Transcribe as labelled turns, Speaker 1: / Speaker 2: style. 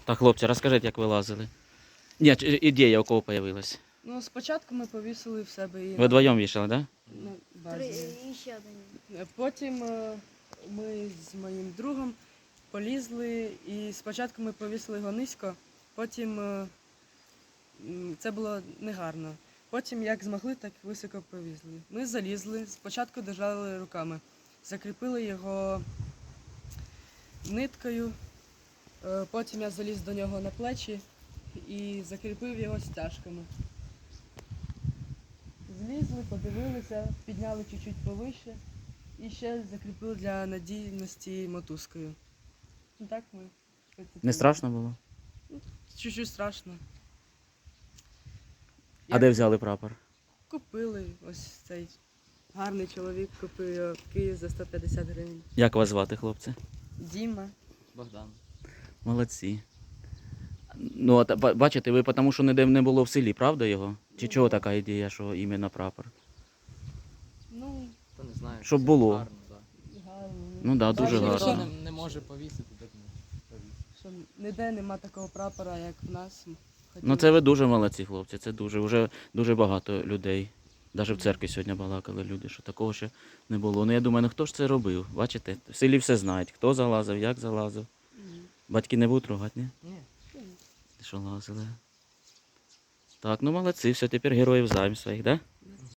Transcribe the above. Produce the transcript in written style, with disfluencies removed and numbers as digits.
Speaker 1: Так, хлопці, розкажіть, як ви лазили. Ні, ідея у кого з'явилась?
Speaker 2: Ну, спочатку ми повісили в себе її
Speaker 1: Ви вдвоєм вішали, так?
Speaker 2: на базі.
Speaker 3: І ще один.
Speaker 2: Потім ми з моїм другом полізли, і спочатку ми повісили його низько, потім це було негарно. Потім, як змогли, так високо повісили. Ми залізли, спочатку держали руками, закріпили його ниткою, потім я заліз до нього на плечі і закріпив його стяжками. Злізли, подивилися, підняли чуть-чуть повище і ще закріпили для надійності мотузкою. Ну так ми.
Speaker 1: Не страшно було?
Speaker 2: Чуть-чуть страшно.
Speaker 1: А де взяли прапор?
Speaker 2: Купили, ось цей гарний чоловік купив його в Києві за 150 гривень.
Speaker 1: Як вас звати, хлопці?
Speaker 2: Діма.
Speaker 4: Богдан.
Speaker 1: Молодці. Ну, от бачите, ви тому що ніде не було в селі, правда його? Чи чого така ідея, що іменно прапор?
Speaker 2: Ну,
Speaker 4: Хто не знає.
Speaker 1: Щоб
Speaker 4: це
Speaker 1: було.
Speaker 4: Гарно, да.
Speaker 2: гарно.
Speaker 1: Ну да, дуже
Speaker 2: Бачили,
Speaker 1: гарно.
Speaker 4: Хто не може повісити, так не повісить.
Speaker 2: Що ніде нема такого прапора, як в нас.
Speaker 1: Ну це ви дуже молодці, хлопці, це дуже, вже дуже багато людей. Навіть в церкві сьогодні балакали люди, що такого ще не було. Ну я думаю, ну хто ж це робив? Бачите, в селі все знають, хто залазив, як залазив. Батьки не будуть ругати, ні?
Speaker 4: Ні.
Speaker 1: Що лазили. Так, ну молодці, все, тепер героїв знаємо своїх, так? Да?